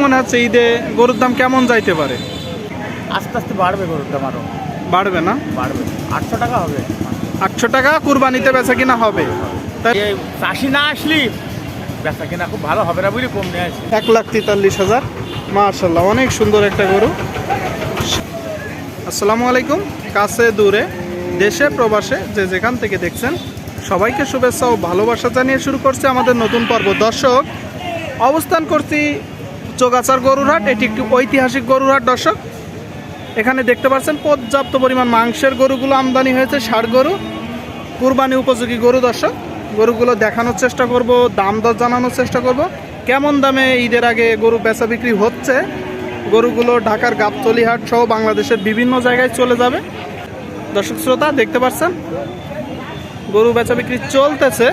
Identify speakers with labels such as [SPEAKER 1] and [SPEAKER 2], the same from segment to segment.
[SPEAKER 1] মনে হচ্ছে ঈদে গরুর দাম কেমন যাইতে পারে?
[SPEAKER 2] আস্তে আস্তে বাড়বে গরুর দাম, আরো
[SPEAKER 1] বাড়বে না?
[SPEAKER 2] বাড়বে, 800 টাকা হবে।
[SPEAKER 1] 800 টাকা কুরবানিতে বেচা কিনা হবে? তাই
[SPEAKER 2] এই চাষি না আসলি বেচা কিনা খুব ভালো হবে না বুঝলি, কম নিয়ে আসি।
[SPEAKER 1] 1,43,000। মাশাআল্লাহ, অনেক সুন্দর একটা গরু। আসসালামু আলাইকুম। কাছে দূরে দেশে প্রবাসে যে যেখান থেকে দেখছেন সবাইকে শুভেচ্ছা ও ভালোবাসা জানিয়ে শুরু করছে আমাদের নতুন পর্ব। দর্শক, অবস্থান করছি চোগাছার গরুর হাট। এটি একটি ঐতিহাসিক গরুর হাট। দর্শক, এখানে দেখতে পাচ্ছেন পর্যাপ্ত পরিমাণ মাংসের গরুগুলো আমদানি হয়েছে, ষাঁড় গরু, কুরবানি উপযোগী গরু। দর্শক, গরুগুলো দেখানোর চেষ্টা করব, দাম দর জানানোর চেষ্টা করব, কেমন দামে ঈদের আগে গরু বেচা বিক্রি হচ্ছে। গরুগুলো ঢাকার গাবতলী হাট সহ বাংলাদেশের বিভিন্ন জায়গায় চলে যাবে। দর্শক শ্রোতা, দেখতে পাচ্ছেন গরু বেচা বিক্রি চলতেছে।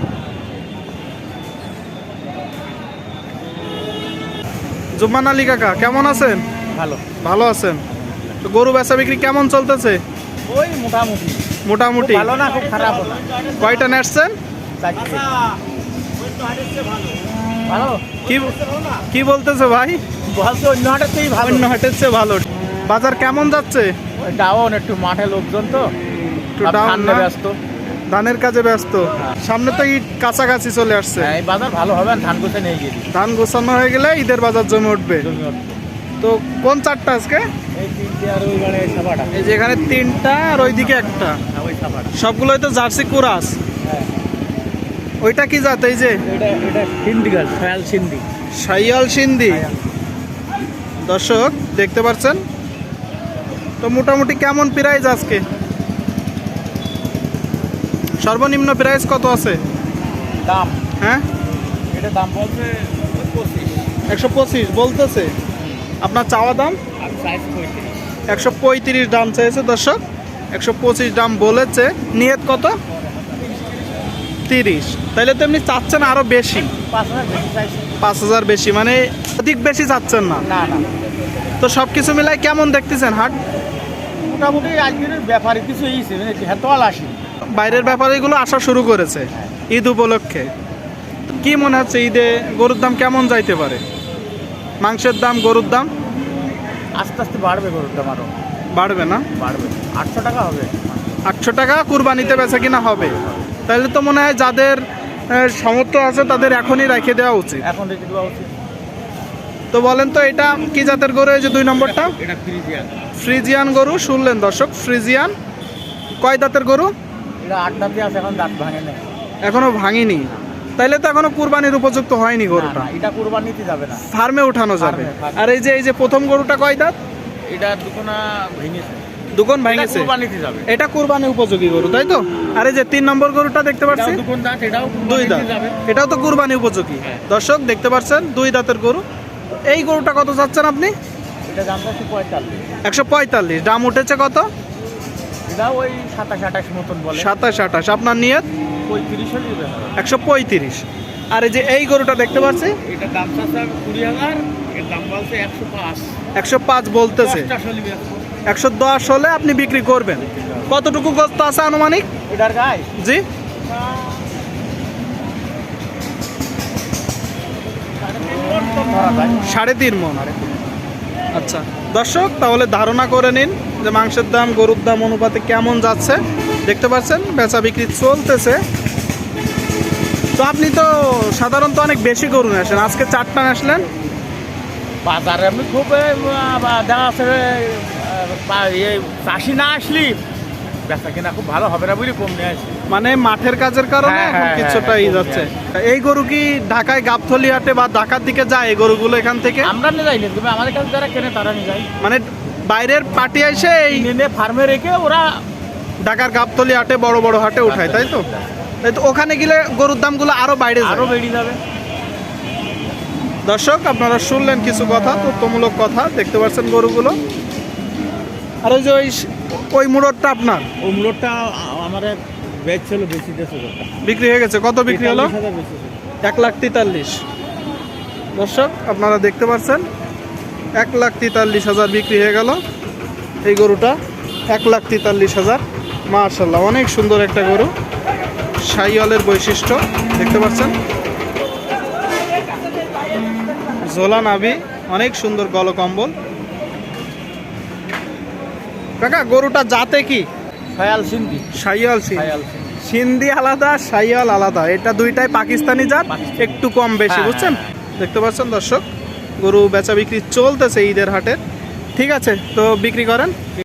[SPEAKER 1] জুম্মান আলী কাকা, কেমন আছেন?
[SPEAKER 2] ভালো।
[SPEAKER 1] ভালো আছেন? তো গরু বেচা বিক্রি কেমন চলতেছে?
[SPEAKER 2] ওই মোটামুটি
[SPEAKER 1] মোটামুটি।
[SPEAKER 2] ভালো না, খুব খারাপ না।
[SPEAKER 1] কয়টা নেটছেন?
[SPEAKER 2] ভালো।
[SPEAKER 1] কি বলতেছে ভাই?
[SPEAKER 2] বলছে অন্য হাটের চেয়ে ভালো।
[SPEAKER 1] অন্য হাটের চেয়ে ভালো। বাজার কেমন যাচ্ছে?
[SPEAKER 2] ডাউন, একটু মাঠে লোকজন তো
[SPEAKER 1] একটু ডাউন না?
[SPEAKER 2] ব্যস্ত,
[SPEAKER 1] ধানের কাজে ব্যস্ত। সামনে তো ঈদ কাছাকাছি চলে আসছে।
[SPEAKER 2] এই বাজার ভালো হবে, ধান গোছে নিয়ে গেছি।
[SPEAKER 1] ধান গোছানো হয়ে গেলে ঈদের বাজার জমে উঠবে। তো কোন চারটা আজকে?
[SPEAKER 2] এই তিনটে আর ওই গাড়ি সাবাটা।
[SPEAKER 1] এই যে এখানে তিনটা আর ওইদিকে একটা।
[SPEAKER 2] ওই সাবাটা
[SPEAKER 1] সবগুলোই তো জার্সি কুরাস।
[SPEAKER 2] হ্যাঁ।
[SPEAKER 1] ওইটা কি জাত? এই যে
[SPEAKER 2] এটা সিন্ধি গাছ, শায়াল সিন্ধি।
[SPEAKER 1] শাইয়াল সিন্ধি। দর্শক, দেখতে পাচ্ছেন তো মোটামুটি কেমন প্রাইস আজকে? সর্বনিম্ন প্রাইস কত আছে?
[SPEAKER 2] দাম,
[SPEAKER 1] হ্যাঁ,
[SPEAKER 2] এটা দাম বলছে
[SPEAKER 1] 125 বলতেছে। আপনার চাওয়া দাম? 135 দাম চাইছে। দর্শক, 125 দাম বলেছে। নিয়ত কত? 30। তাইলে তো এমনি চাচ্ছেন আরো বেশি, 5,000 বেশি, মানে অধিক বেশি চাচ্ছেন না।
[SPEAKER 2] না না,
[SPEAKER 1] তো সব কিছু মিলাই কেমন দেখতেছেন হাট?
[SPEAKER 2] মোটামুটি আজকের ব্যাপারে কিছু এইছে হ্যাঁ, তল আসি।
[SPEAKER 1] বাইরের ব্যাপারীগুলো আসা শুরু করেছে ঈদ উপলক্ষে। কি মনে হচ্ছে ঈদে গরুর দাম কেমন যাইতে পারে? মাংসের দাম, গরুর দাম
[SPEAKER 2] আস্তে আস্তে বাড়বে গরুর দাম, আরো
[SPEAKER 1] বাড়বে না?
[SPEAKER 2] বাড়বে, 800 টাকা হবে।
[SPEAKER 1] 800 টাকা কুরবানিতে বেচা কিনা হবে? তাহলে তো মনে হয় যাদের সামর্থ্য আছে তাদের এখনই রেখে দেওয়া উচিত।
[SPEAKER 2] এখন রেখে দেওয়া উচিত।
[SPEAKER 1] তো বলেন তো, এটা কি জাতের গরু? এই যে 2 নম্বরটা
[SPEAKER 2] এটা ফ্রিজিয়ান।
[SPEAKER 1] ফ্রিজিয়ান গরু। শুনলেন দর্শক, ফ্রিজিয়ান। কয় দাঁতের গরু?
[SPEAKER 2] এটা 8 দাঁতে আছে, এখন দাঁত ভাঙে না,
[SPEAKER 1] এখনো ভাঙিনি। তাইলে তো এখনো কুরবানির উপযুক্ত হয়নি গরুটা।
[SPEAKER 2] এটা কুরবানিতে যাবে না,
[SPEAKER 1] ফার্মে উঠানো যাবে।
[SPEAKER 2] ফার্মে।
[SPEAKER 1] আর এই যে প্রথম গরুটা কয় দাঁত?
[SPEAKER 2] এটা দুকোনা ভেঙেছে,
[SPEAKER 1] দুকোন ভেঙেছে।
[SPEAKER 2] কুরবানিতে যাবে।
[SPEAKER 1] এটা কুরবানি উপযোগী গরু, তাই তো? আর এই যে 3 নম্বর গরুটা দেখতে পাচ্ছি,
[SPEAKER 2] এটাও দুকোন দাঁত, এটাও
[SPEAKER 1] 2
[SPEAKER 2] কুরবানিতে
[SPEAKER 1] দাঁত,
[SPEAKER 2] যাবে।
[SPEAKER 1] এটাও তো কুরবানি উপযোগী।
[SPEAKER 2] হ্যাঁ।
[SPEAKER 1] দর্শক, দেখতে পাচ্ছেন 2 দাঁতের গরু। এই গরুটা কত চাচ্ছেন আপনি?
[SPEAKER 2] এটা দাম হচ্ছে 45।
[SPEAKER 1] 145। দাম উঠেছে কত?
[SPEAKER 2] এটা ওই 27-28 মতন বলে।
[SPEAKER 1] 27-28। আপনার নিয়ত?
[SPEAKER 2] 35 হলে দিবে।
[SPEAKER 1] 135। আর এই যে এই গরুটা দেখতে পাচ্ছি,
[SPEAKER 2] এটা দাম চাচ্ছে 20,000, এর দাম বলছে 105।
[SPEAKER 1] 105 বলতেছে। 110 হলে আপনি বিক্রি করবেন। কতটুকু গোস্ত আছে আনুমানিক?
[SPEAKER 2] এটার গায়ে
[SPEAKER 1] জি, 3.5 মণ। আচ্ছা দর্শক, তাহলে ধারণা করে নিন যে মাংসের দাম গরুর দাম অনুপাতে কেমন যাচ্ছে। দেখতে পাচ্ছেন বেচা বিক্রি চলতেছে। তো আপনি তো সাধারণত অনেক বেশি গরু নিয়ে আসেন, আজকে 4টা আসলেন।
[SPEAKER 2] বাজারে আমি খুব দেখা আছে চাষি না আসলি বেচা কিনা খুব ভালো হবে না বুঝলি, কম নিয়ে আসি।
[SPEAKER 1] মানে মাঠের কাজের কারণে
[SPEAKER 2] হ্যাঁ,
[SPEAKER 1] এখন
[SPEAKER 2] হ্যাঁ,
[SPEAKER 1] কিছুটাই
[SPEAKER 2] হ্যাঁ,
[SPEAKER 1] যাচ্ছে। এই গরু কি ঢাকায় গাবতলী হাটে বা ঢাকার দিকে যায় এই গরুগুলো এখান থেকে?
[SPEAKER 2] আমরা নিয়ে যাই না, তবে আমাদের কাছে যারা কেনে তারা নিয়ে যায়।
[SPEAKER 1] মানে বাইরের পার্টি এসে এই
[SPEAKER 2] নিয়ে ফার্মে রেখে ওরা
[SPEAKER 1] ঢাকার গাবতলী হাটে বড় বড় হাটে উঠায়, তাই তো? তাই তো, ওখানে গেলে গরুর দামগুলো আরো বাইরে যায়।
[SPEAKER 2] আরো বেড়ে যাবে।
[SPEAKER 1] দর্শক, আপনারা শুনলেন কিছু কথা, তথ্যমূলক কথা। দেখতে পাচ্ছেন গরুগুলো। আর ওই যে ওই মুড়টা আপনার?
[SPEAKER 2] ওই মূলটা আমার বেচ ছিল, বেশি দেশ
[SPEAKER 1] বিক্রি হয়ে গেছে। কত বিক্রি হলো? 1,43,000। দর্শক, আপনারা দেখতে পাচ্ছেন 1,43,000 বিক্রি হয়ে গেল এই গরুটা। 1,43,000। মাশাআল্লাহ, অনেক সুন্দর একটা গরু, শাইওয়ালের বৈশিষ্ট্য। দেখতে পাচ্ছেন ঝোলা নাভি, অনেক সুন্দর গলকম্বল। কাকা গরুটা জাতে কি?
[SPEAKER 2] শায়াল সিন্ধি।
[SPEAKER 1] শাইওয়াল সিন্ধি।
[SPEAKER 2] শায়াল সিন্ধি।
[SPEAKER 1] সিন্ধি আলাদা, শাইওয়াল আলাদা, এটা দুইটাই পাকিস্তানি জাত,
[SPEAKER 2] পাকিস্তানি।
[SPEAKER 1] একটু কম বেশি,
[SPEAKER 2] হ্যাঁ,
[SPEAKER 1] বুঝছেন?
[SPEAKER 2] হ্যাঁ,
[SPEAKER 1] দেখতে পাচ্ছেন দর্শক, গরু বেচা বিক্রি চলতেছে ঈদের হাটে। ঠিক আছে, তো বিক্রি করেন।